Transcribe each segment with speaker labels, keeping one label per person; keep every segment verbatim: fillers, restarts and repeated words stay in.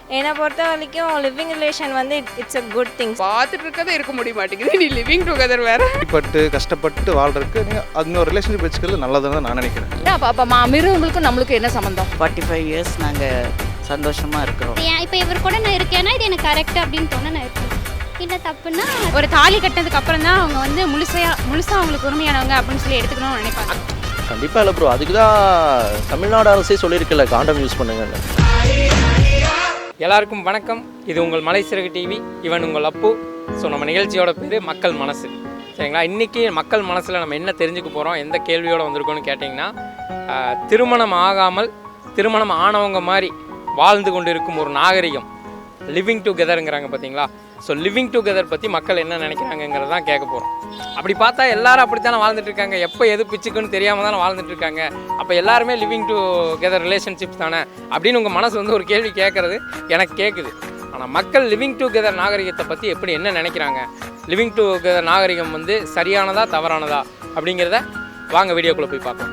Speaker 1: என்னை பொறுத்த வரைக்கும் லிவிங் ரிலேஷன் வந்து இட்ஸ் அ குட் திங்.
Speaker 2: பார்த்துட்டு இருக்கதே இருக்க முடிய மாட்டேங்குது, நீ லிவிங் டுகெதர் வேறு.
Speaker 3: பட்டு கஷ்டப்பட்டு வாழ்றதுக்கு நீங்கள் அது ஒரு ரிலேஷன்ஷிப் வச்சுக்கிறது நல்லதுன்னு நான் நினைக்கிறேன்.
Speaker 2: பாப்பா மிருகங்களுக்கும் நம்மளுக்கும் என்ன சம்மந்தம்?
Speaker 4: ஃபார்ட்டி ஃபைவ் இயர்ஸ் நாங்கள் சந்தோஷமாக இருக்கிறோம்.
Speaker 5: இப்போ இவர் கூட நான் இருக்கேன்னா இது எனக்கு கரெக்ட் அப்படின்னு தோண நான் இருக்கேன். இல்லை தப்புன்னா
Speaker 6: ஒரு தாலி கட்டினதுக்கு அப்புறம் தான் அவங்க வந்து முழுசையாக முழுசாக அவங்களுக்கு உரிமையானவங்க அப்படின்னு சொல்லி எடுத்துக்கணும்னு நினைப்பாங்க.
Speaker 7: கண்டிப்பாக இல்லை ப்ரோ, அதுக்கு தான் தமிழ்நாடு அரசே சொல்லியிருக்குல்ல காண்டம் யூஸ் பண்ணுங்கன்னு.
Speaker 8: எல்லாருக்கும் வணக்கம். இது உங்கள் மலை சிறகு டிவி, இவன் உங்கள் அப்பு. ஸோ நம்ம நிகழ்ச்சியோட பேர் மக்கள் மனசு, சரிங்களா? இன்றைக்கி மக்கள் மனசில் நம்ம என்ன தெரிஞ்சுக்க போகிறோம், எந்த கேள்வியோடு வந்திருக்கோன்னு கேட்டிங்கன்னா, திருமணம் ஆகாமல் திருமணம் ஆனவங்க மாதிரி வாழ்ந்து கொண்டு இருக்கும் ஒரு நாகரிகம் லிவிங் டுகெதருங்கிறாங்க பார்த்தீங்களா? ஸோ லிவிங் டுகெதர் பற்றி மக்கள் என்ன நினைக்கிறாங்கிறது தான் கேட்க போகிறோம். அப்படி பார்த்தா எல்லாரும் அப்படித்தானே வாழ்ந்துட்டு இருக்காங்க, எப்போ எது பிச்சுக்குன்னு தெரியாமல் தானே வாழ்ந்துட்டு இருக்காங்க. அப்போ எல்லாருமே லிவிங் டுகெதர் ரிலேஷன்ஷிப்ஸ் தானே அப்படின்னு உங்கள் மனசு வந்து ஒரு கேள்வி கேட்குறது எனக்கு கேட்குது. ஆனால் மக்கள் லிவிங் டுகெதர் நாகரிகத்தை பற்றி எப்படி என்ன நினைக்கிறாங்க, லிவிங் டுகெதர் நாகரிகம் வந்து சரியானதா தவறானதா அப்படிங்கிறத வாங்க வீடியோக்குள்ளே போய் பார்ப்போம்.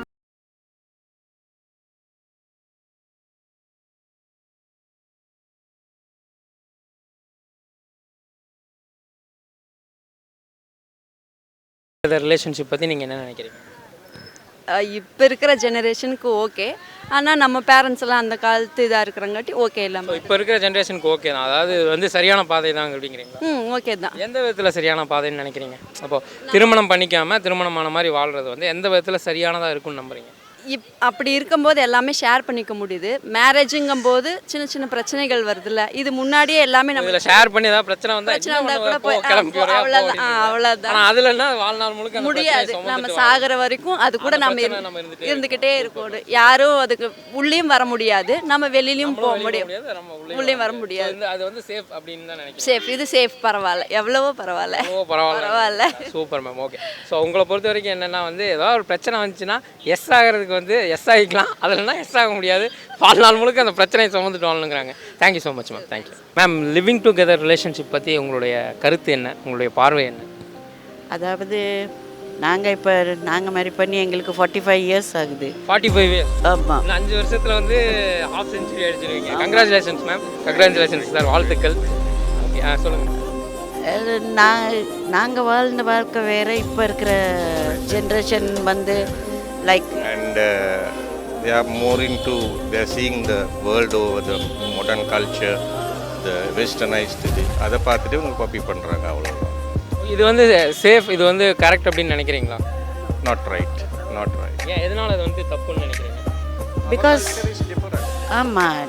Speaker 8: ரிலேஷன்ஷிப் பற்றி நீங்கள் என்ன நினைக்கிறீங்க?
Speaker 9: இப்போ இருக்கிற ஜெனரேஷனுக்கு ஓகே, ஆனால் நம்ம பேரண்ட்ஸ் எல்லாம் அந்த காலத்து இதாக இருக்கிறங்காட்டி ஓகே இல்லாமல்.
Speaker 8: இப்போ இருக்கிற ஜென்ரேஷனுக்கு ஓகே தான், அதாவது வந்து சரியான பாதை தான் அப்படிங்கிறீங்க?
Speaker 9: ம் ஓகே தான்.
Speaker 8: எந்த விதத்தில் சரியான பாதைன்னு நினைக்கிறீங்க? அப்போது திருமணம் பண்ணிக்காமல் திருமணமான மாதிரி வாழ்கிறது வந்து எந்த விதத்தில் சரியானதாக இருக்குன்னு நம்புறீங்க?
Speaker 9: இப் அப்படி இருக்கும்போது எல்லாமே ஷேர் பண்ணிக்க முடியுது. மேரேஜுங்கும் போது சின்ன சின்ன பிரச்சனைகள் வருதுல்ல, இது முன்னாடியே எல்லாமே நம்ம
Speaker 8: இதில் ஷேர் பண்ணி ஏதாவது பிரச்சனை வந்தால்
Speaker 9: பிரச்சனை வந்தால் கூட போய் அவ்வளோதான் அவ்வளோதான்.
Speaker 8: அதுலன்னா வாழ்நாள் முழுக்க
Speaker 9: முடியாது, நம்ம சாகிற வரைக்கும் அது கூட நம்ம இருந்துக்கிட்டே இருக்கணும். யாரும் அதுக்கு உள்ளேயும் வர முடியாது, நம்ம வெளியிலையும் போக முடியும், உள்ளேயும் வர முடியாது.
Speaker 8: அது வந்து சேஃப் அப்படின்னு தான் நினைக்கிறேன்.
Speaker 9: சேஃப், இது சேஃப், பரவாயில்ல, எவ்வளவோ பரவாயில்ல
Speaker 8: பரவாயில்ல
Speaker 9: பரவாயில்ல.
Speaker 8: Super ma'am, okay. ஸோ உங்களை பொறுத்த வரைக்கும் என்னென்னா வந்து ஏதாவது ஒரு பிரச்சனை வந்துச்சுன்னா எஸ் ஆகிறதுக்கு வந்து எஸ் ஆகிக்கலாம், அதில்னா எஸ் ஆக முடியாது, வாழ்நாள் முழுக்க அந்த பிரச்சனையை சுமந்துட்டு வாழணுங்கிறாங்க. Thank you so much ma'am, thank you ma'am. Living together relationship பற்றி உங்களுடைய கருத்து என்ன, உங்களுடைய பார்வை என்ன?
Speaker 4: அதாவது நாங்கள் இப்போ நாங்கள் மாதிரி பண்ணி எங்களுக்கு ஃபார்ட்டி ஃபைவ் இயர்ஸ் ஆகுது.
Speaker 8: ஃபார்ட்டி ஃபைவ் இயர்ஸ்
Speaker 4: ஆமாம்.
Speaker 8: இன்னும் அஞ்சு வருஷத்தில் வந்து ஹாஃப் செஞ்சுரி அடிச்சிருவீங்க. கங்க்ராச்சுலேஷன்ஸ் மேம், கங்க்ராச்சுலேஷன்ஸ் சார், வாழ்த்துக்கள். ஓகே, ஆ சொல்லுங்கள்.
Speaker 4: நான் நாங்கள் வாழ்ந்த வாழ்க்கை வேறு, இப்போ இருக்கிற ஜென்ரேஷன் வந்து like
Speaker 3: And uh, they are more into, they are seeing the world over the modern culture, the westernized thing. அதை பார்த்துட்டு அவங்க காப்பி பண்ணுறாங்க, அவ்வளோதான்.
Speaker 8: இது வந்து சேஃப், இது வந்து கரெக்ட் அப்படின்னு நினைக்கிறீங்களா?
Speaker 3: Not right, not right.
Speaker 8: ஏன், எதனால் அது வந்து தப்புன்னு நினைக்கிறீங்க?
Speaker 4: பிகாஸ் ஆமாம்,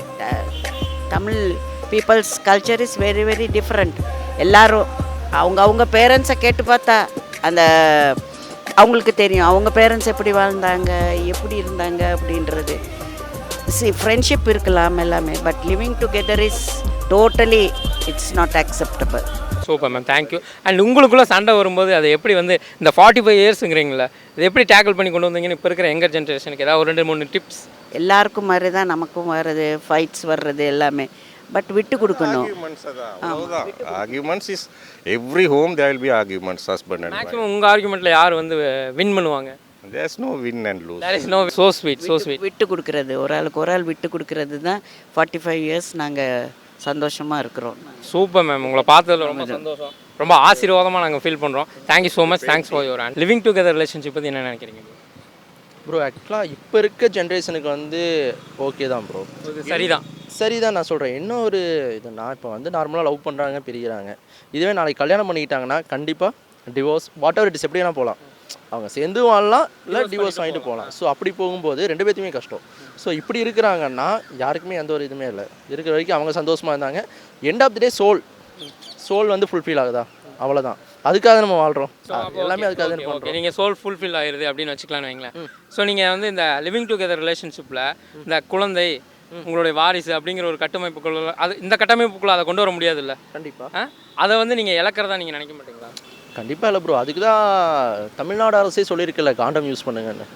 Speaker 4: Tamil peoples culture is very very different. எல்லாரும் அவங்க அவங்க பேரண்ட்ஸை கேட்டு பார்த்தா அந்த அவங்களுக்கு தெரியும் அவங்க பேரண்ட்ஸ் எப்படி வாழ்ந்தாங்க, எப்படி இருந்தாங்க அப்படின்றது. சி ஃப்ரெண்ட்ஷிப் இருக்கலாம் எல்லாமே, but living together is totally it's not acceptable.
Speaker 8: Super ma'am, thank you. And உங்களுக்குள்ளே சண்டை வரும்போது அதை எப்படி வந்து இந்த ஃபார்ட்டி ஃபைவ் இயர்ஸுங்கிறீங்களா, இது எப்படி டேக்கிள் பண்ணி கொண்டு வந்தீங்கன்னு இப்போ இருக்கிற யங்கர் ஜென்ரேஷனுக்கு ஏதாவது ஒரு ரெண்டு மூணு டிப்ஸ்?
Speaker 4: எல்லாருக்கும் மாதிரி தான் நமக்கும் வர்றது, ஃபைட்ஸ் வர்றது எல்லாமே, பட் விட்டு கொடுக்கணும்.
Speaker 3: Arguments is every home there will be arguments, husband and wife.
Speaker 8: Maximum உங்கள் ஆர்குமெண்ட்டில் யார் வந்து வின் பண்ணுவாங்க?
Speaker 3: There is no win and lose.
Speaker 8: There is no so sweet, so sweet.
Speaker 4: விட்டு கொடுக்கறது, ஒரு ஆளுக்கு ஒரு ஆள் விட்டு கொடுக்கறது தான் ஃபார்ட்டி ஃபைவ் இயர்ஸ் நாங்கள் சந்தோஷமாக இருக்கிறோம்.
Speaker 8: சூப்பர் மேம், உங்களை பார்த்ததில் ரொம்ப சந்தோஷம், ரொம்ப ஆசீர்வாதமாக நாங்கள் ஃபீல் பண்ணுறோம். Thank you so much, thanks for your hand. Living together relationship பற்றி என்ன நினைக்கிறீங்க
Speaker 7: ப்ரோ? ஆக்சுவலாக இப்போ இருக்க ஜென்ரேஷனுக்கு வந்து ஓகே தான் ப்ரோ,
Speaker 8: சரிதான்
Speaker 7: சரிதான் நான் சொல்கிறேன். என்ன ஒரு இது, நான் இப்போ வந்து நார்மலாக லவ் பண்ணுறாங்க, பிரிகிறாங்க. இதுவே நாளைக்கு கல்யாணம் பண்ணிக்கிட்டாங்கன்னா கண்டிப்பாக divorce whatever it is எப்படி வேணால் போகலாம், அவங்க சேர்ந்து வாழலாம், இல்லை டிவோர்ஸ் வாங்கிட்டு போகலாம். ஸோ அப்படி போகும்போது ரெண்டு பேர்த்துமே கஷ்டம். ஸோ இப்படி இருக்கிறாங்கன்னா யாருக்குமே எந்த ஒரு இதுவுமே இல்லை, இருக்கிற வரைக்கும் அவங்க சந்தோஷமாக இருந்தாங்க. End of the day soul soul வந்து ஃபுல்ஃபில் ஆகுதா, அவ்வளோதான். அதுக்காக நம்ம வாழ்கிறோம், எல்லாமே அதுக்காக தான் பண்ணுறோம்.
Speaker 8: நீங்கள் சோல் ஃபுல்ஃபில் ஆகிடுது அப்படின்னு வச்சுக்கலான்னு வைங்களேன். ஸோ நீங்கள் வந்து இந்த லிவிங் டுகெதர் ரிலேஷன்ஷிப்பில் இந்த குழந்தை, உங்களுடைய வாரிசு அப்படிங்கிற ஒரு கட்டமைப்புக்குள்ள, அது இந்த கட்டமைப்புக்குள்ளே அதை கொண்டு வர முடியாது இல்லை? கண்டிப்பாக. அதை வந்து நீங்கள் இழக்கிறதா நீங்கள் நினைக்க மாட்டீங்களா?
Speaker 7: கண்டிப்பாக இல்லை ப்ரோ, அதுக்கு தான் தமிழ்நாடு அரசே சொல்லியிருக்குல்ல காண்டம் யூஸ் பண்ணுங்கன்னு.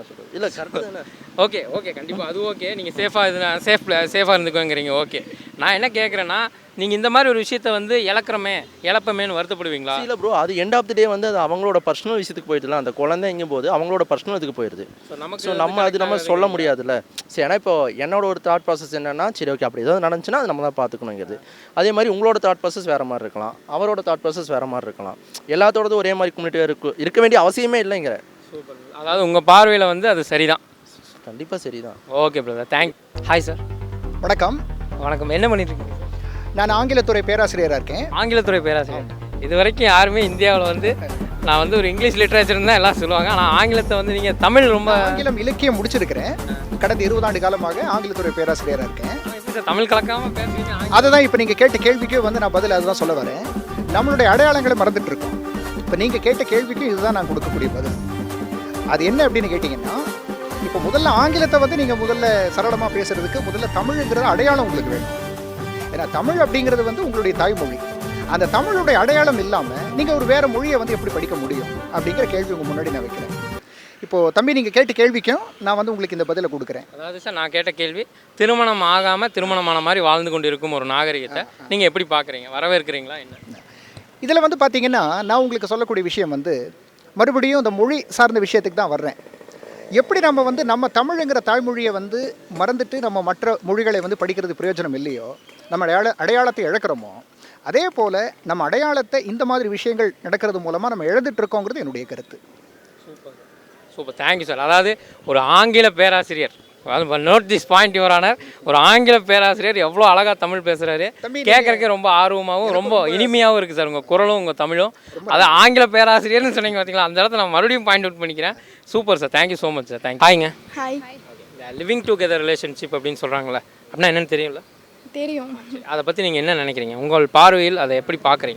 Speaker 7: என்ன சொல்கிறது இல்லை கரெக்டு தானே.
Speaker 8: ஓகே ஓகே கண்டிப்பாக அது ஓகே. நீங்கள் சேஃபாக இது சேஃப் சேஃபாக இருந்துக்கோங்கிறீங்க. ஓகே, நான் என்ன கேட்குறேன்னா, நீங்கள் இந்த மாதிரி ஒரு விஷயத்த வந்து இழக்கிறமே இழப்பமேன்னு வருத்தப்படுவீங்களா?
Speaker 7: இல்லை ப்ரோ, அது எண்ட் ஆஃப் தி டே வந்து அது அவங்களோட பர்சனல் விஷயத்துக்கு போயிடுதுல. அந்த குழந்தைங்கும் போது அவங்களோட பர்சனல் இதுக்கு போயிடுது.
Speaker 8: ஸோ நமக்கு
Speaker 7: ஸோ நம்ம அது நம்ம சொல்ல முடியாதுல்ல. சரி, ஏன்னா இப்போ என்னோட ஒரு தாட் ப்ராசஸ் என்னன்னா, சரி ஓகே அப்படி ஏதாவது நடந்துச்சுன்னா அது நம்ம தான் பார்த்துக்கணுங்கிறது. அதே மாதிரி உங்களோட தாட் ப்ராசஸ் வேறு மாதிரி இருக்கலாம், அவரோட தாட் ப்ராசஸ் வேறு மாதிரி இருக்கலாம். எல்லாத்தோடதும் ஒரே மாதிரி கம்யூனிட்டியாக இருக்கு இருக்க வேண்டிய அவசியமே இல்லைங்கிற.
Speaker 8: சூப்பர். அதாவது உங்கள் பார்வையில் வந்து அது சரிதான்.
Speaker 7: கண்டிப்பாக சரிதான்.
Speaker 8: Okay brother, thank. Hi sir.
Speaker 10: வணக்கம்.
Speaker 8: வணக்கம். என்ன பண்ணிட்டு இருக்கீங்க?
Speaker 10: நான் ஆங்கிலத்துறை பேராசிரியராக இருக்கேன்.
Speaker 8: ஆங்கிலத்துறை பேராசிரியர். இது வரைக்கும் யாருமே இந்தியாவில் வந்து நான் வந்து ஒரு இங்கிலீஷ் லிட்ரேச்சர் தான் எல்லாம் சொல்லுவாங்க, ஆனால் ஆங்கிலத்தை வந்து நீங்கள் தமிழ் ரொம்ப
Speaker 10: ஆங்கிலம் இலக்கியம் முடிச்சிருக்கிறேன். கடந்த இருபது ஆண்டு காலமாக ஆங்கிலத்துறை பேராசிரியராக இருக்கேன்.
Speaker 8: தமிழ் கலக்காமல் பேசுவீங்க.
Speaker 10: அதுதான் இப்போ நீங்கள் கேட்ட கேள்விக்கு வந்து நான் பதில் அதுதான் சொல்ல வரேன். நம்மளுடைய அடையாளங்களை மறந்துட்டு இருக்கோம். இப்போ நீங்கள் கேட்ட கேள்விக்கு இதுதான் நான் கொடுக்கக்கூடிய பதில். அது என்ன அப்படின்னு கேட்டிங்கன்னா, இப்போ முதல்ல ஆங்கிலத்தை வந்து நீங்கள் முதல்ல சரளமாக பேசுகிறதுக்கு முதல்ல தமிழுங்கிறது அடையாளம் உங்களுக்கு வேணும். ஏன்னா தமிழ் அப்படிங்கிறது வந்து உங்களுடைய தாய்மொழி. அந்த தமிழுடைய அடையாளம் இல்லாமல் நீங்கள் ஒரு வேறு மொழியை வந்து எப்படி படிக்க முடியும் அப்படிங்கிற கேள்வி உங்கள் முன்னாடி நான் வைக்கிறேன். இப்போது தம்பி நீங்கள் கேட்ட கேள்விக்கும் நான் வந்து உங்களுக்கு இந்த பதிலை கொடுக்குறேன்.
Speaker 8: அதாவது சார், நான் கேட்ட கேள்வி, திருமணம் ஆகாமல் திருமணமான மாதிரி வாழ்ந்து கொண்டு இருக்கும் ஒரு நாகரிகத்தை நீங்கள் எப்படி பார்க்குறீங்க, வரவேற்கிறீங்களா என்ன?
Speaker 10: இதில் வந்து பார்த்தீங்கன்னா, நான் உங்களுக்கு சொல்லக்கூடிய விஷயம் வந்து மறுபடியும் இந்த மொழி சார்ந்த விஷயத்துக்கு தான் வர்றேன். எப்படி நம்ம வந்து நம்ம தமிழுங்கிற தாய்மொழியை வந்து மறந்துட்டு நம்ம மற்ற மொழிகளை வந்து படிக்கிறது பிரயோஜனம் இல்லையோ, நம்ம அடையாள அடையாளத்தை இழக்கிறோமோ, அதே போல் நம்ம அடையாளத்தை இந்த மாதிரி விஷயங்கள் நடக்கிறது மூலமாக நம்ம இழந்துட்டு இருக்கோங்கிறது என்னுடைய கருத்து.
Speaker 8: Super super, thank you sir. அதாவது ஒரு ஆங்கில பேராசிரியர், note this point your honour, ஒரு ஆங்கில பேராசிரியர் எவ்வளோ அழகாக தமிழ் பேசுகிறாரு, கேட்குறக்கே ரொம்ப ஆர்வமாகவும் ரொம்ப இனிமையாகவும் இருக்குது சார். உங்கள் குரலும் உங்கள் தமிழும். அதாவது ஆங்கில பேராசிரியர்னு சொன்னீங்க பார்த்தீங்களா, அந்த இடத்துல நான் மறுபடியும் பாயிண்ட் அவுட் பண்ணிக்கிறேன். Super sir, thank you so much sir. Thank. ஹாய்ங்க.
Speaker 6: ஹாய்.
Speaker 8: இந்த லிவிங் டுகெதர் ரிலேஷன்ஷிப் அப்படின்னு சொல்கிறாங்களே, அப்படின்னா என்னென்னு தெரியும்ல?
Speaker 6: தெரியும்.
Speaker 8: அதை பற்றி நீங்கள் என்ன நினைக்கிறீங்க? உங்கள் பார்வையில் அதை எப்படி பார்க்குறீங்க?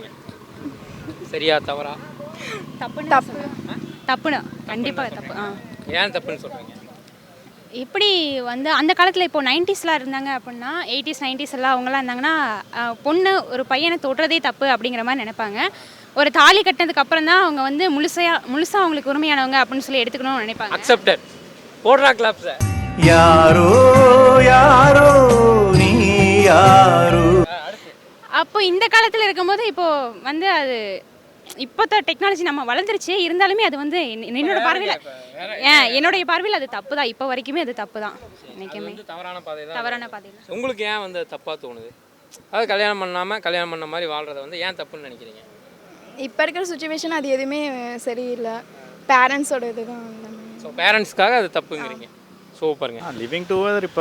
Speaker 8: சரியா தவறா?
Speaker 6: தப்பு தப்பு தப்புண்ணா, கண்டிப்பாக தப்பு. ஆ,
Speaker 8: ஏன் தப்புன்னு சொல்கிறீங்க?
Speaker 6: எப்படி வந்து அந்த காலத்தில் இப்போ நைன்டிஸ்லாம் இருந்தாங்க அப்படின்னா, எயிட்டிஸ் நைன்டிஸ் எல்லாம் அவங்களாம் இருந்தாங்கன்னா, பொண்ணு ஒரு பையனை தொடுறதே தப்பு அப்படிங்கிற மாதிரி நினைப்பாங்க. ஒரு தாலி கட்டினதுக்கு அப்புறம் தான் அவங்க வந்து முழுசையாக முழுசாக அவங்களுக்கு உரிமையானவங்க அப்படின்னு சொல்லி எடுத்துக்கணும்னு நினைப்பாங்க.
Speaker 8: அக்செப்டட். போடுறா கிளாப் சார்.
Speaker 11: யாரோ யாரோ நீ யாரோ.
Speaker 6: அப்போ இந்த காலத்தில் இருக்கும்போது இப்போ வந்து அது இப்போத்த டெக்னாலஜி நம்ம வளர்ந்துருச்சு, இருந்தாலுமே அது வந்து என்னோட பார்வையில் ஏன் என்னுடைய பார்வையில் அது தப்பு தான். இப்போ வரைக்குமே அது தப்பு தான். என்றைக்குமே
Speaker 8: தவறான பாதை தான்.
Speaker 6: தவறான பாதை.
Speaker 8: உங்களுக்கு ஏன் வந்து தப்பாக தோணுது? அதாவது கல்யாணம் பண்ணாமல் கல்யாணம் பண்ண மாதிரி வாழ்கிறத வந்து ஏன் தப்புன்னு நினைக்கிறீங்க?
Speaker 12: இப்போ இருக்கிற சுச்சுவேஷன் அது எதுவுமே சரியில்லை. பேரண்ட்ஸோட இது தான்.
Speaker 8: ஸோ பேரண்ட்ஸ்க்காக அது தப்புங்கிறீங்க. சூப்பருங்க.
Speaker 13: லிவிங் டுகெதர் இப்போ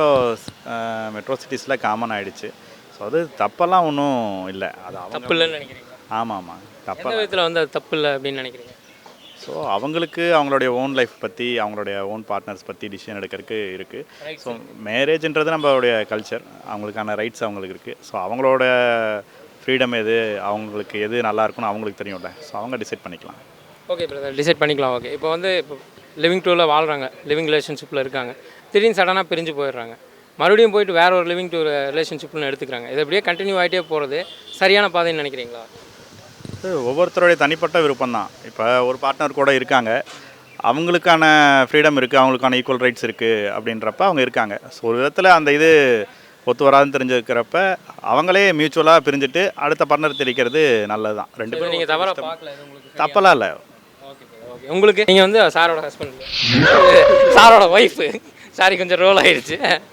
Speaker 13: மெட்ரோ சிட்டிஸில் காமன் ஆகிடுச்சு. ஸோ அது தப்பெல்லாம் ஒன்றும் இல்லை. அது
Speaker 8: தப்பு இல்லைன்னு நினைக்கிறீங்க?
Speaker 13: ஆமாம் ஆமாம், தப்பு
Speaker 8: விதத்தில் வந்து அது தப்பு இல்லை அப்படின்னு நினைக்கிறீங்க?
Speaker 13: ஸோ அவங்களுக்கு அவங்களுடைய ஓன் லைஃப் பற்றி, அவங்களுடைய ஓன் பார்ட்னர்ஸ் பற்றி டிசிஷன் எடுக்கிறதுக்கு இருக்குது. ஸோ மேரேஜ்ன்றது நம்மளுடைய கல்ச்சர், அவங்களுக்கான ரைட்ஸ் அவங்களுக்கு இருக்குது. ஸோ அவங்களோட ஃப்ரீடம் எது, அவங்களுக்கு எது நல்லா இருக்குன்னு அவங்களுக்கு தெரியும்ல. ஸோ அவங்க டிசைட் பண்ணிக்கலாம்.
Speaker 8: ஓகே பிரதர், டிசைட் பண்ணிக்கலாம். ஓகே, இப்போ வந்து இப்போ லிவிங் டூவில் வாழ்கிறாங்க, லிவிங் ரிலேஷன்ஷிப்பில் இருக்காங்க, திடீர்னு சடனாக பிரிஞ்சு போயிடுறாங்க, மறுபடியும் போயிட்டு வேற ஒரு லிவிங் டூ ரிலேஷன்ஷிப்னு எடுத்துக்கிறாங்க. இது அப்படியே கண்டினியூ ஆகிட்டே போகிறது சரியான பாதைன்னு நினைக்கிறீங்களா?
Speaker 13: இது ஒவ்வொருத்தருடைய தனிப்பட்ட விருப்பம் தான். இப்போ ஒரு பார்ட்னர் கூட இருக்காங்க, அவங்களுக்கான ஃப்ரீடம் இருக்குது, அவங்களுக்கான ஈக்குவல் ரைட்ஸ் இருக்குது அப்படின்றப்ப அவங்க இருக்காங்க. ஸோ ஒரு விதத்தில் அந்த இது ஒத்து வராதுன்னு தெரிஞ்சுக்கிறப்ப அவங்களே மியூச்சுவலாக பிரிஞ்சுட்டு அடுத்த பார்ட்னர் தெரிவிக்கிறது நல்லது தான். ரெண்டு பேரும்
Speaker 8: நீங்கள் தவறாக பார்க்கல,
Speaker 13: தப்பெல்லாம் இல்லை.
Speaker 8: Okay okay. உங்களுக்கு நீங்கள் வந்து சாரோட ஹஸ்பண்ட், சாரோட ஒய்ஃபு, சாரி கொஞ்சம் ரோல் ஆயிடுச்சு.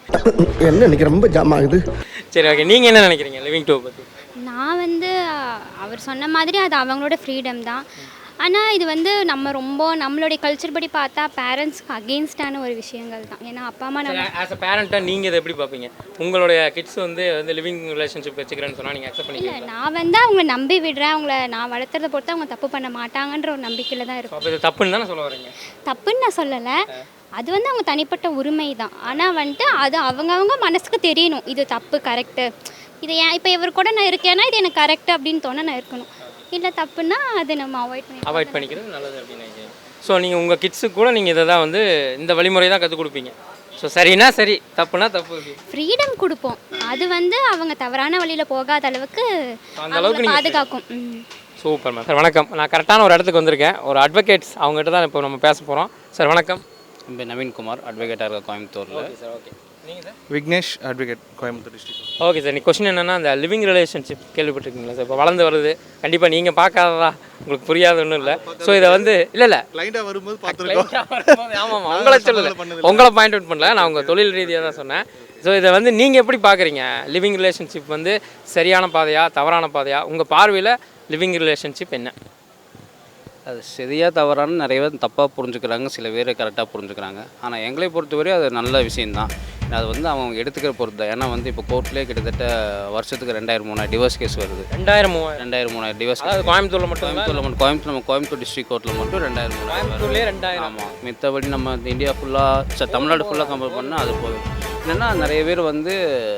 Speaker 11: என்ன இன்னைக்கு ரொம்ப ஜாம் ஆகுது.
Speaker 8: சரி ஓகே, நீங்கள் என்ன நினைக்கிறீங்க லிவிங் டூ பற்றி?
Speaker 5: நான் வந்து அவர் சொன்ன மாதிரி அது அவங்களோட ஃப்ரீடம் தான். ஆனால் இது வந்து நம்ம ரொம்ப நம்மளுடைய கல்ச்சர் படி பார்த்தா பேரண்ட்ஸ்க்கு அகெயின்ஸ்டான ஒரு விஷயங்கள் தான். ஏன்னா அப்பா அம்மா நம்ம
Speaker 8: ஆஸ் அ பேரண்ட்டாக நீங்கள் இதை எப்படி பார்ப்பீங்க? உங்களுடைய கிட்ஸ் வந்து வந்து லிவிங் ரிலேஷன்ஷிப் வச்சுக்கிறேன்னு சொன்னால் நீங்கள் அக்செப்ட்
Speaker 5: இல்லை,
Speaker 8: பண்ணிக்கிறீங்களா?
Speaker 5: நான் வந்து அவங்கள நம்பி விடுறேன், அவங்கள நான் வளர்த்துறத பொறுத்து அவங்க தப்பு பண்ண மாட்டாங்கன்ற ஒரு நம்பிக்கையில் தான் இருக்கும்.
Speaker 8: அப்போ இது தப்புன்னு தானே சொல்ல வரீங்க?
Speaker 5: தப்புன்னு நான் சொல்லலை, அது வந்து அவங்க தனிப்பட்ட உரிமை தான். ஆனால் வந்துட்டு அது அவங்கவுங்க மனசுக்கு தெரியணும், இது தப்பு கரெக்டு, இது ஏன் இப்போ இவர் கூட நான் இருக்கேன்னா இது எனக்கு கரெக்டு அப்படின்னு தோண நான் இருக்கணும். இல்லை தப்புன்னா அதை நம்ம அவாய்ட் பண்ணி
Speaker 8: அவாய்ட் பண்ணிக்கிறது நல்லது அப்படின்னு நினைக்கிறேன். ஸோ நீங்கள் உங்கள் கிட்ஸுக்கு கூட நீங்கள் இதை தான் வந்து இந்த வழிமுறை தான் கற்றுக் கொடுப்பீங்க. ஸோ சரினா சரி, தப்புனா தப்பு,
Speaker 5: ஃப்ரீடம் கொடுப்போம். அது வந்து அவங்க தவறான வழியில் போகாத அளவுக்கு
Speaker 8: அந்த அளவுக்கு
Speaker 5: பாதுகாக்கும்.
Speaker 8: Super ma'am. சார் வணக்கம். நான் கரெக்டான ஒரு இடத்துக்கு வந்திருக்கேன். ஒரு அட்வொகேட்ஸ் அவங்ககிட்ட தான் இப்போ நம்ம பேச போகிறோம். சார் வணக்கம்.
Speaker 14: என் பேர் நவீன்குமார், அட்வொகேட்டாக இருக்க கோயம்புத்தூரில்.
Speaker 8: Okay sir, okay. நீங்கள் sir?
Speaker 15: Vignesh, advocate, Coimbatore district.
Speaker 8: Okay sir. நீ கொஸ்டின் என்னென்னா அந்த லிவிங் ரிலேஷன்ஷிப் கேள்விப்பட்டிருக்கீங்களா சார்? இப்போ வளர்ந்து வருது, கண்டிப்பாக நீங்கள் பார்க்காததா, உங்களுக்கு புரியாத ஒன்றும் இல்லை. ஸோ இதை வந்து இல்லை இல்லை
Speaker 15: கிளைண்டாக வரும்போது பார்த்துருக்கோம்.
Speaker 8: ஆமாம், உங்களை சொல்லலை, உங்களை பாயிண்ட் அவுட் பண்ணல, நான் உங்கள் தொழில் ரீதியாக தான் சொன்னேன். ஸோ இதை வந்து நீங்கள் எப்படி பார்க்குறீங்க? லிவிங் ரிலேஷன்ஷிப் வந்து சரியான பாதையா தவறான பாதையா? உங்கள் பார்வையில் லிவிங் ரிலேஷன்ஷிப் என்ன?
Speaker 14: அது சரியாக தவறான நிறைய பேர் தப்பாக புரிஞ்சுக்கிறாங்க, சில பேர் கரெக்டாக புரிஞ்சுக்கிறாங்க. ஆனால் எங்களை பொறுத்தவரை அது நல்ல விஷயந்தான். அது வந்து அவங்க எடுத்துக்கிற பொறுத்து தான். ஏன்னா வந்து இப்போ கோர்ட்லேயே கிட்டத்தட்ட வருஷத்துக்கு ரெண்டாயிரம் மூணாயிரம் டிவோர்ஸ் கேஸ் வருது.
Speaker 8: ரெண்டாயிரம் மூவாயிரம்
Speaker 14: ரெண்டாயிரம் மூணாயிரம் டிவோர்ஸ்.
Speaker 8: அதாவது கோயம்புத்தூரில் மட்டும்
Speaker 14: கோயம்புத்தூரில் மட்டும் கோயம்புத்தூர் நம்ம கோயம்புத்தூர் டிஸ்ட்ரிக் கோர்ட்டில் மட்டும் ரெண்டாயிரம் மூணாயிரம்
Speaker 8: கோயம்புத்தூர்லேயே ரெண்டாயிரம்.
Speaker 14: ஆமாம், மித்தபடி நம்ம இந்தியா ஃபுல்லாக தமிழ்நாடு ஃபுல்லாக கம்பேர் பண்ணால் அது போதும். என்னென்னா நிறைய பேர் வந்து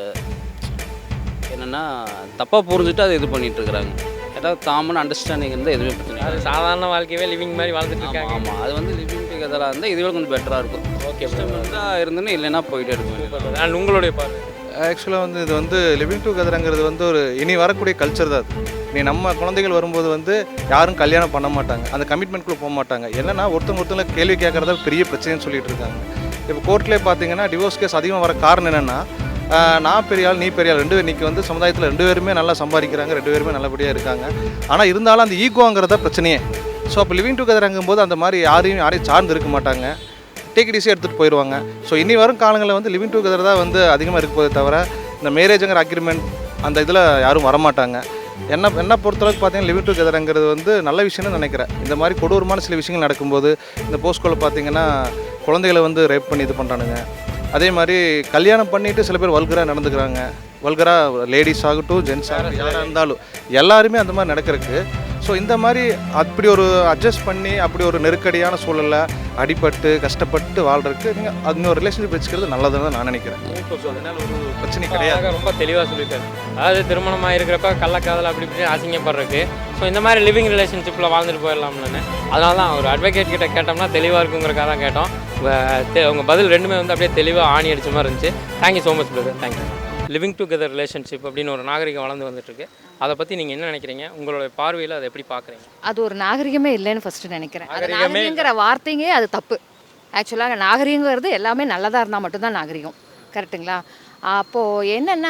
Speaker 14: என்னென்னா தப்பாக புரிஞ்சுட்டு அதை இது பண்ணிகிட்டு இருக்கிறாங்க. ஏதாவது காமன் அண்டர்ஸ்டாண்டிங் இருந்தால் எதுவுமே பிரச்சனை இல்லை.
Speaker 8: அது சாதாரண வாழ்க்கையே லிவிங் மாதிரி வாழ்ந்துட்டு இருக்காங்க.
Speaker 14: ஆமாம், அது வந்து லிவிங் டுகெதராக இருந்தால் இதுவே கொஞ்சம் பெட்டராக இருக்கும். ஓகே, இருந்தால் இருந்துன்னு இல்லைன்னா போயிட்டே இருக்கும்.
Speaker 8: அண்ட் உங்களுடைய பார்வை?
Speaker 15: ஆக்சுவலாக வந்து இது வந்து லிவிங் டுகெதருங்கிறது வந்து ஒரு இனி வரக்கூடிய கல்ச்சர் தான். அது நீ நம்ம குழந்தைகள் வரும்போது வந்து யாரும் கல்யாணம் பண்ண மாட்டாங்க, அந்த கமிட்மெண்ட்குள்ளே போக மாட்டாங்க. என்னன்னா ஒருத்தவங்க ஒருத்தவங்க கேள்வி கேட்குறத பெரிய பிரச்சனைன்னு சொல்லிட்டு இருக்காங்க. இப்போ கோர்ட்லேயே பார்த்தீங்கன்னா டிவோர்ஸ் கேஸ் அதிகம் வர காரணம் என்னென்னா, நான் பெரிய ஆள் நீ பெரிய ஆள், ரெண்டு பேர் இன்றைக்கி வந்து சமுதாயத்தில் ரெண்டு பேருமே நல்லா சம்பாதிக்கிறாங்க, ரெண்டு பேருமே நல்லபடியாக இருக்காங்க. ஆனால் இருந்தாலும் அந்த ஈகோங்கிறத பிரச்சனையே. ஸோ அப்போ லிவிங் டுகெதருங்கும் போது அந்த மாதிரி யாரையும் யாரையும் சார்ந்து இருக்க மாட்டாங்க, டேக் இட் ஈஸியாக எடுத்துகிட்டு போயிடுவாங்க. ஸோ இனி வரும் காலங்களில் வந்து லிவிங் டுகெதர் தான் வந்து அதிகமாக இருக்க போதே தவிர இந்த மேரேஜுங்கிற அக்ரிமெண்ட் அந்த இதில் யாரும் வரமாட்டாங்க. என்ன என்ன பொறுத்தளவுக்கு பார்த்தீங்கன்னா லிவிங் டுகெதருங்கிறது வந்து நல்ல விஷயம்னு நினைக்கிறேன். இந்த மாதிரி கொடூரமான சில விஷயங்கள் நடக்கும்போது இந்த போஸ்கோவில் பார்த்தீங்கன்னா குழந்தைகளை வந்து ரேப் பண்ணி இது பண்ணுறானுங்க. அதே மாதிரி கல்யாணம் பண்ணிவிட்டு சில பேர் வல்கராக நடந்துக்கிறாங்க. வல்கராக லேடிஸ் ஆகட்டும் ஜென்ஸ் ஆகட்டும் யாராக இருந்தாலும் எல்லாருமே அந்த மாதிரி நடக்கிறதுக்கு. ஸோ இந்த மாதிரி அப்படி ஒரு அட்ஜஸ்ட் பண்ணி அப்படி ஒரு நெருக்கடியான சூழலில் அடிபட்டு கஷ்டப்பட்டு வாழ்கிறதுக்கு நீங்கள் அது ஒரு ரிலேஷன்ஷிப் வச்சுக்கிறது நல்லதுன்னு நான் நினைக்கிறேன். ஸோ அதனால் ஒரு பிரச்சனை கிடையாது.
Speaker 8: ரொம்ப தெளிவாக சொல்லிட்டாரு. அதாவது திருமணமாக இருக்கிறப்ப கள்ளக்காதல் அப்படி இப்படி அசிங்கப்படுறதுக்கு. ஸோ இந்த மாதிரி லிவிங் ரிலேஷன்ஷிப்பில் வாழ்ந்துட்டு போயிடலாம்னு அதனால தான் ஒரு அட்வொகேட் கிட்ட கேட்டோம்னா தெளிவாக இருக்குங்கிறக்காக தான் கேட்டோம். உங்கள் பதில் ரெண்டுமே வந்து அப்படியே தெளிவாக ஆணி அடித்த மாதிரி இருந்துச்சு. Thank you so much brother, thank you. Living together relationship அப்படின்னு ஒரு நாகரிகம் வளர்ந்து வந்துட்டுருக்கு. அதை பற்றி நீங்கள் என்ன நினைக்கிறீங்க? உங்களோட பார்வையில் அதை எப்படி பார்க்குறீங்க?
Speaker 2: அது ஒரு நாகரிகமே இல்லைன்னு ஃபஸ்ட்டு நினைக்கிறேன். அது நாகரிகங்கிற வார்த்தைங்க அது தப்பு. ஆக்சுவலாக நாகரிகங்கிறது எல்லாமே நல்லதாக இருந்தால் மட்டும்தான் நாகரிகம். கரெக்டுங்களா? அப்போது என்னென்னா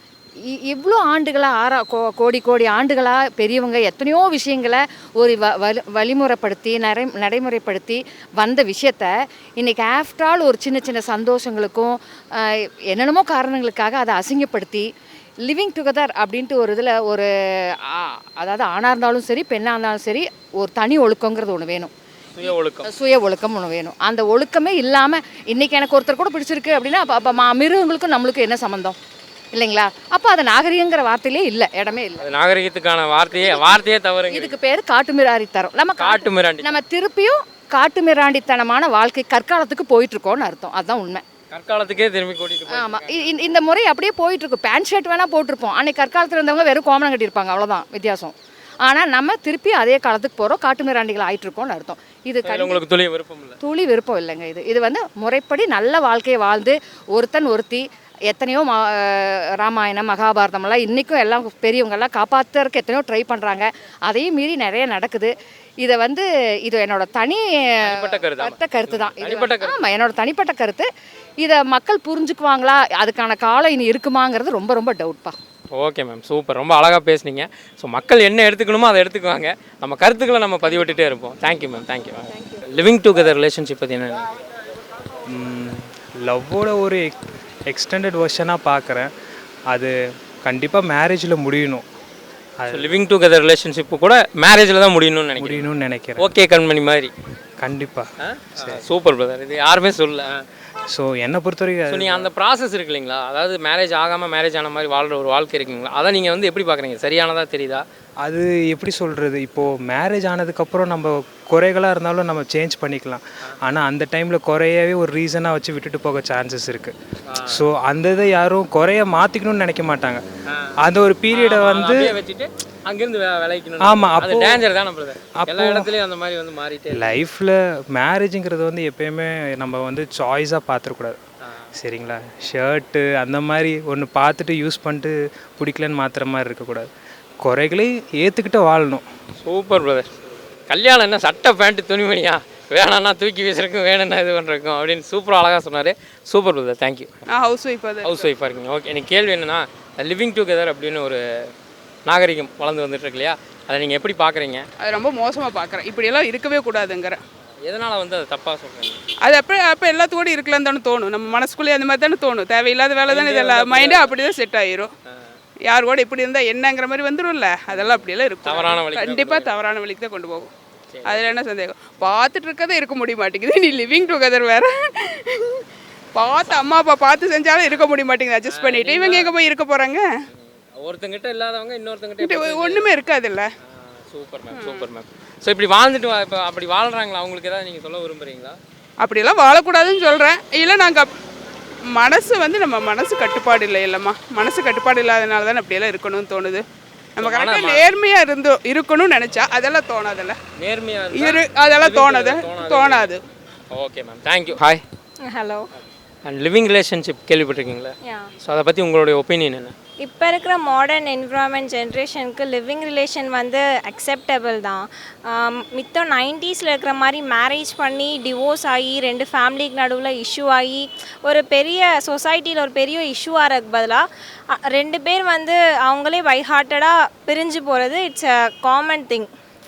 Speaker 2: இவ்வளோ ஆண்டுகளாக ஆறா கோ கோடி கோடி ஆண்டுகளாக பெரியவங்க எத்தனையோ விஷயங்களை ஒரு வ வலி வழிமுறைப்படுத்தி நடை நடைமுறைப்படுத்தி வந்த விஷயத்த இன்றைக்கி ஆஃப்டர் ஆல் ஒரு சின்ன சின்ன சந்தோஷங்களுக்கும் என்னென்னமோ காரணங்களுக்காக அதை அசிங்கப்படுத்தி லிவிங் டுகெதர் அப்படின்ட்டு ஒரு இதில் ஒரு அதாவது ஆணாக இருந்தாலும் சரி பெண்ணாக இருந்தாலும் சரி ஒரு தனி ஒழுக்கங்கிறது ஒன்று வேணும்.
Speaker 8: சுய ஒழுக்கம்
Speaker 2: சுய ஒழுக்கம் ஒன்று வேணும். அந்த ஒழுக்கமே இல்லாமல் இன்றைக்கி எனக்கு ஒருத்தர் கூட பிடிச்சிருக்கு அப்படின்னா அப்போ அப்போ மிருகங்களுக்கும் நம்மளுக்கும் என்ன சம்மந்தம் இல்லைங்களா? அப்போ அது நாகரிகங்கிற வார்த்தையிலே இல்லை, இடமே இல்லை.
Speaker 8: நாகரிகத்துக்கான வார்த்தையே வார்த்தையே தவறு.
Speaker 2: இதுக்கு பேர் காட்டுமிராண்டித்தனம். நம்ம
Speaker 8: காட்டுமிராண்டி
Speaker 2: நம்ம திருப்பியும் காட்டுமிராண்டித்தனமான வாழ்க்கை கற்காலத்துக்கு போயிட்டு இருக்கோம்னு அர்த்தம். அதுதான் உண்மை.
Speaker 8: கற்காலத்துக்கே திரும்பி கூட்டிட்டு.
Speaker 2: ஆமாம், இந்த முறை அப்படியே போயிட்டு இருக்கும். பேண்ட் ஷர்ட் வேணால் போட்டிருப்போம், அன்னைக்கு கற்காலத்தில் இருந்தவங்க வெறும் கோமனம் கட்டியிருப்பாங்க, அவ்வளோதான் வித்தியாசம். ஆனால் நம்ம திருப்பி அதே காலத்துக்கு போகிறோம், காட்டுமிராண்டிகள் ஆகிட்டு இருக்கோம்னு அர்த்தம். இது
Speaker 8: உங்களுக்கு துளி விருப்பம் இல்லை?
Speaker 2: துளி விருப்பம் இல்லைங்க. இது இது வந்து முறைப்படி நல்ல வாழ்க்கையை வாழ்ந்து ஒருத்தன் ஒருத்தி எத்தனையோ மா ராமாயணம் மகாபாரதமெல்லாம் இன்றைக்கும் எல்லாம் பெரியவங்கெல்லாம் காப்பாற்றுறதுக்கு எத்தனையோ ட்ரை பண்ணுறாங்க. அதையும் மீறி நிறைய நடக்குது. இதை வந்து இது என்னோட தனி கருத்த கருத்து தான். ஆமாம், என்னோட தனிப்பட்ட கருத்து. இதை மக்கள் புரிஞ்சுக்குவாங்களா, அதுக்கான காலம் இனி இருக்குமாங்கிறது ரொம்ப ரொம்ப டவுட்பா.
Speaker 8: ஓகே மேம், சூப்பர், ரொம்ப அழகாக பேசுனீங்க. ஸோ மக்கள் என்ன எடுத்துக்கணுமோ அதை எடுத்துக்குவாங்க, நம்ம கருத்துக்களை நம்ம பதிவிட்டுட்டே இருப்போம். Thank you ma'am, thank you ma'am. Living together relationship பற்றி என்ன?
Speaker 16: லவ்வோட ஒரு எக்ஸ்டெண்டட் வெர்ஷனாக பார்க்குறேன். அது கண்டிப்பாக மேரேஜில் முடியணும்.
Speaker 8: லிவிங் டுகெதர் ரிலேஷன்ஷிப்பு கூட மேரேஜில் தான் முடியணும்னு நினைக்கிறேன்
Speaker 16: முடியணும்னு நினைக்கிறேன்
Speaker 8: ஓகே கண்மணி மாதிரி.
Speaker 16: கண்டிப்பாக.
Speaker 8: சூப்பர் பிரதர், இது யாருமே சொல்ல.
Speaker 16: ஸோ என்னை பொறுத்த வரைக்கும்
Speaker 8: நீங்கள் அந்த ப்ராசஸ் இருக்கு இல்லைங்களா, அதாவது மேரேஜ் ஆகாமல் மேரேஜ் ஆன மாதிரி வாழ்கிற ஒரு வாழ்க்கை இருக்குங்களா, அதை நீங்கள் வந்து எப்படி பார்க்குறீங்க? சரியானதாக தெரியுதா?
Speaker 16: அது எப்படி சொல்கிறது, இப்போது மேரேஜ் ஆனதுக்கப்புறம் நம்ம குறைகளாக இருந்தாலும் நம்ம சேஞ்ச் பண்ணிக்கலாம். ஆனால் அந்த டைமில் குறையவே ஒரு ரீசனாக வச்சு விட்டுட்டு போக சான்சஸ் இருக்குது. ஸோ அந்த இதை யாரும் குறைய மாற்றிக்கணும்னு நினைக்க மாட்டாங்க. அந்த ஒரு பீரியடை வந்து
Speaker 8: வச்சுட்டு அங்கேருந்து விளைக்கணும்.
Speaker 16: ஆமாம், அப்போ
Speaker 8: டேஞ்சர் தான். எல்லா இடத்துலையும் அந்த மாதிரி வந்து மாறிட்டே.
Speaker 16: லைஃப்பில் மேரேஜுங்கிறது வந்து எப்பயுமே நம்ம வந்து சாய்ஸாக பார்த்துடக்கூடாது. சரிங்களா? ஷர்ட்டு அந்த மாதிரி ஒன்று பார்த்துட்டு யூஸ் பண்ணிட்டு பிடிக்கலன்னு மாற்றுற மாதிரி இருக்கக்கூடாது. குறைகளையும் ஏற்றுக்கிட்டு வாழணும்.
Speaker 8: Super brother. கல்யாணம் என்ன சட்டை பேண்ட்டு துணிமணியா? வேணான்னா தூக்கி வீசுறதுக்கும் வேணும்னா இது பண்ணுறதுக்கும் அப்படின்னு சூப்பராக அழகாக சொன்னார். Super brother, thank you.
Speaker 17: Housewife அது
Speaker 8: ஹவுஸ் ஒய்ஃபாக இருக்கீங்க. ஓகே, எனக்கு கேள்வி என்னென்னா லிவிங் டுகெதர் அப்படின்னு ஒரு நாகரிகம் வளர்ந்து வந்துட்டு இருக்கு இல்லையா, அதை நீங்கள் எப்படி பார்க்குறீங்க?
Speaker 17: அது ரொம்ப மோசமாக பார்க்குறேன். இப்படியெல்லாம் இருக்கவே கூடாதுங்கிற.
Speaker 8: எதனால் வந்து அது தப்பாக சொல்கிறீங்க?
Speaker 17: அது அப்போ அப்போ எல்லாத்துக்கூட இருக்கலான்னு தானே தோணும். நம்ம மனசுக்குள்ளே அந்த மாதிரி தானே தோணும். தேவையில்லாத வேலை தானே இதெல்லாம். மைண்டே அப்படி தான் செட் ஆயிரும். யார் கூட இப்படி இருந்தால் என்னங்கிற மாதிரி வந்துடும்ல, அதெல்லாம் அப்படியெல்லாம் இருக்கும்.
Speaker 8: தவறான வழி,
Speaker 17: கண்டிப்பாக தவறான வழிக்கு தான் கொண்டு போகும். அதில் என்ன சந்தேகம்? பார்த்துட்டு இருக்கதே இருக்க முடிய மாட்டேங்குது, நீ லிவிங் டுகெதர் வேற. பார்த்து அம்மா அப்பா பார்த்து செஞ்சாலும் இருக்க முடிய மாட்டேங்குது அட்ஜஸ்ட் பண்ணிட்டு. இவங்க எங்கே போய் இருக்க போகிறாங்க?
Speaker 8: ஒருத்தங்கிட்ட இல்லாதவங்க இன்னொருத்தங்கிட்ட
Speaker 17: ஒன்றுமே இருக்காதுல்ல.
Speaker 8: Super ma'am, super ma'am. So இப்படி வாழ்ந்துட்டு இப்போ அப்படி வாழ்கிறாங்களா, அவங்களுக்கு ஏதாவது நீங்கள் சொல்ல விரும்புகிறீங்களா?
Speaker 17: அப்படியெல்லாம் வாழக்கூடாதுன்னு சொல்கிறேன். இல்லை, நாங்கள் மனசு வந்து நம்ம மனசு கட்டுப்பாடு இல்லை இல்லைம்மா. மனசு கட்டுப்பாடு இல்லாதனால தான் அப்படியெல்லாம் இருக்கணும்னு தோணுது. நம்ம கரெக்டாக நேர்மையாக இருந்தோ இருக்கணும்னு நினச்சா அதெல்லாம் தோணாதில்ல.
Speaker 8: நேர்மையாக
Speaker 17: இரு அதெல்லாம் தோணாது தோணாது
Speaker 8: okay ma'am, thank you. Hi.
Speaker 1: Hello.
Speaker 8: And living relationship கேள்விப்பட்டிருக்கீங்களா? ஸோ அதை பற்றி உங்களுடைய ஒப்பீனியன் என்ன?
Speaker 1: இப்போ இருக்கிற மாடர்ன் என்விரான்மெண்ட் ஜென்ரேஷனுக்கு லிவிங் ரிலேஷன் வந்து அக்செப்டபிள் தான். மித்தம் நைன்டீஸில் இருக்கிற மாதிரி மேரேஜ் பண்ணி டிவோர்ஸ் ஆகி ரெண்டு ஃபேமிலிக்கு நடுவில் இஷ்யூ ஆகி ஒரு பெரிய சொசைட்டியில் ஒரு பெரிய இஷ்யூ ஆகிறதுக்கு பதிலாக ரெண்டு பேர் வந்து அவங்களே பை ஹார்ட்டடாக பிரிஞ்சு போகிறது இட்ஸ் அ காமன் திங்.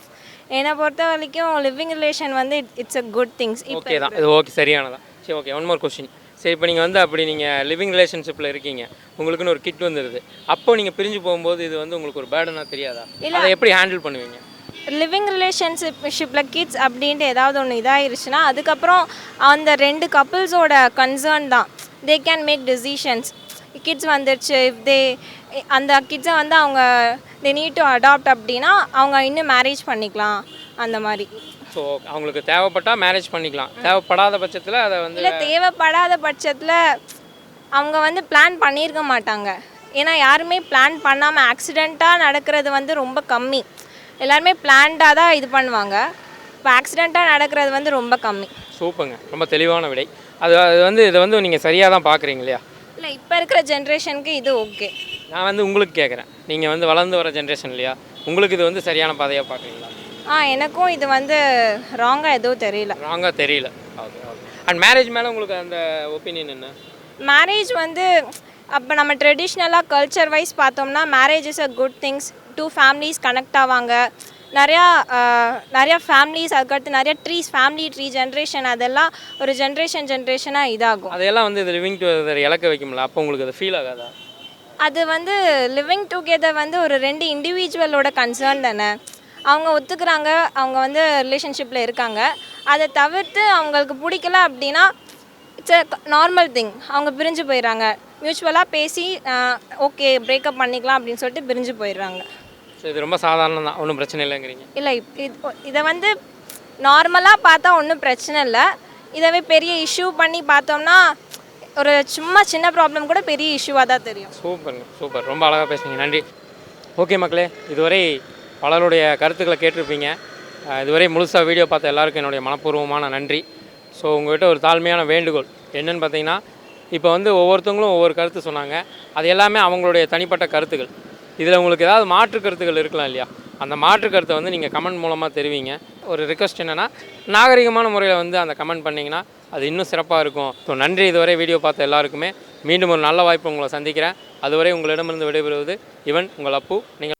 Speaker 1: என்னை பொறுத்த வரைக்கும் லிவிங் ரிலேஷன் வந்து it's a good things.
Speaker 8: Okay தான், இது ஓகே, சரியானதான். சரி, ஓகே, ஒன் மோர் கொஸ்டின். சரி, இப்போ நீங்கள் வந்து அப்படி நீங்கள் லிவிங் ரிலேஷன்ஷிப்பில் இருக்கீங்க, உங்களுக்குன்னு ஒரு கிட் வந்துடுது, அப்போ நீங்கள் பிரிஞ்சு போகும்போது இது வந்து உங்களுக்கு ஒரு பேர்டனாக தெரியாதா? அதை எப்படி ஹேண்டில் பண்ணுவீங்க?
Speaker 1: லிவிங் ரிலேஷன்ஷிப்பில் கிட்ஸ் அப்படின்ட்டு ஏதாவது ஒன்று இதாகிருச்சுன்னா அதுக்கப்புறம் அந்த ரெண்டு கப்புள்ஸோட கன்சர்ன் தான். They can make decisions. Kids வந்துடுச்சு, இஃப் தே அந்த கிட்ஸை வந்து அவங்க தே நீட் டு அடாப்ட் அப்படின்னா அவங்க இன்னும் மேரேஜ் பண்ணிக்கலாம் அந்த மாதிரி.
Speaker 8: ஸோ அவங்களுக்கு தேவைப்பட்டால் மேரேஜ் பண்ணிக்கலாம், தேவைப்படாத பட்சத்தில் அதை வந்து
Speaker 1: இல்லை, தேவைப்படாத பட்சத்தில் அவங்க வந்து பிளான் பண்ணியிருக்க மாட்டாங்க. ஏன்னா யாருமே பிளான் பண்ணாமல் ஆக்சிடெண்ட்டாக நடக்கிறது வந்து ரொம்ப கம்மி. எல்லாருமே பிளான்டாக தான் இது பண்ணுவாங்க. இப்போ ஆக்சிடெண்ட்டாக நடக்கிறது வந்து ரொம்ப கம்மி.
Speaker 8: சூப்பருங்க, ரொம்ப தெளிவான விடை. அது அது வந்து இதை வந்து நீங்கள் சரியாக தான் பார்க்குறீங்க இல்லையா?
Speaker 1: இல்லை, இப்போ இருக்கிற ஜென்ரேஷனுக்கு இது ஓகே.
Speaker 8: நான் வந்து உங்களுக்கு கேட்குறேன், நீங்கள் வந்து வளர்ந்து வர ஜென்ரேஷன் இல்லையா, உங்களுக்கு இது வந்து சரியான பாதையாக பார்க்குறீங்களா?
Speaker 1: ஆ, எனக்கும் இது வந்து ராங்காக எதுவும் தெரியல.
Speaker 8: ராங்காக தெரியல. Okay, okay. அண்ட் மேரேஜ் மேலே உங்களுக்கு அந்த ஒப்பீனியன் என்ன?
Speaker 1: மேரேஜ் வந்து அப்போ நம்ம ட்ரெடிஷ்னலாக கல்ச்சர் வைஸ் பார்த்தோம்னா marriage is a good things. Two families connect ஆவாங்க. நிறையா நிறையா ஃபேமிலிஸ், அதுக்கடுத்து நிறையா ட்ரீஸ், ஃபேமிலி ட்ரீ ஜென்ரேஷன், அதெல்லாம் ஒரு ஜென்ரேஷன் ஜென்ரேஷனாக இதாகும்.
Speaker 8: அதெல்லாம் வந்து இது லிவிங் டுகெதர் இழக்க வைக்கும்ல, அப்போ உங்களுக்கு அது ஃபீல் ஆகாதா?
Speaker 1: அது வந்து லிவிங் டுகெதர் வந்து ஒரு ரெண்டு இண்டிவிஜுவலோட கன்சர்ன் தானே. அவங்க ஒத்துக்கிறாங்க, அவங்க வந்து ரிலேஷன்ஷிப்பில் இருக்காங்க. அதை தவிர்த்து அவங்களுக்கு பிடிக்கல அப்படின்னா இட்ஸ் அ நார்மல் திங். அவங்க பிரிஞ்சு போயிடுறாங்க. மியூச்சுவலாக பேசி ஓகே பிரேக்கப் பண்ணிக்கலாம் அப்படின்னு சொல்லிட்டு பிரிஞ்சு போயிடுறாங்க.
Speaker 8: ஸோ இது ரொம்ப சாதாரணம் தான், ஒன்றும் பிரச்சனை இல்லைங்கிறீங்க?
Speaker 1: இல்லை, இது இதை வந்து நார்மலாக பார்த்தா ஒன்றும் பிரச்சனை இல்லை. இதவே பெரிய இஷ்யூ பண்ணி பார்த்தோம்னா ஒரு சும்மா சின்ன ப்ராப்ளம் கூட பெரிய இஷ்யூவாக தான் தெரியும்.
Speaker 8: சூப்பருங்க, சூப்பர், ரொம்ப அழகாக பேசுனீங்க, நன்றி. ஓகே மக்களே, இதுவரை பலருடைய கருத்துக்களை கேட்டிருப்பீங்க. இதுவரை முழுசாக வீடியோ பார்த்த எல்லாருக்கும் என்னுடைய மனப்பூர்வமான நன்றி. ஸோ உங்கள்கிட்ட ஒரு தாழ்மையான வேண்டுகோள் என்னென்னு பார்த்தீங்கன்னா, இப்போ வந்து ஒவ்வொருத்தவங்களும் ஒவ்வொரு கருத்து சொன்னாங்க, அது எல்லாமே அவங்களுடைய தனிப்பட்ட கருத்துக்கள். இதில் உங்களுக்கு ஏதாவது மாற்று கருத்துக்கள் இருக்கலாம் இல்லையா, அந்த மாற்று கருத்தை வந்து நீங்கள் கமெண்ட் மூலமாக தெரிவிங்க. ஒரு ரிக்வெஸ்ட் என்னென்னா, நாகரிகமான முறையில் வந்து அந்த கமெண்ட் பண்ணிங்கன்னா அது இன்னும் சிறப்பாக இருக்கும். ஸோ நன்றி, இதுவரை வீடியோ பார்த்த எல்லாருக்குமே. மீண்டும் ஒரு நல்ல வாய்ப்பு உங்களை சந்திக்கிறேன். அதுவரை உங்களிடமிருந்து விடைபெறுவது இவன் உங்கள் அப்பு. நீங்கள்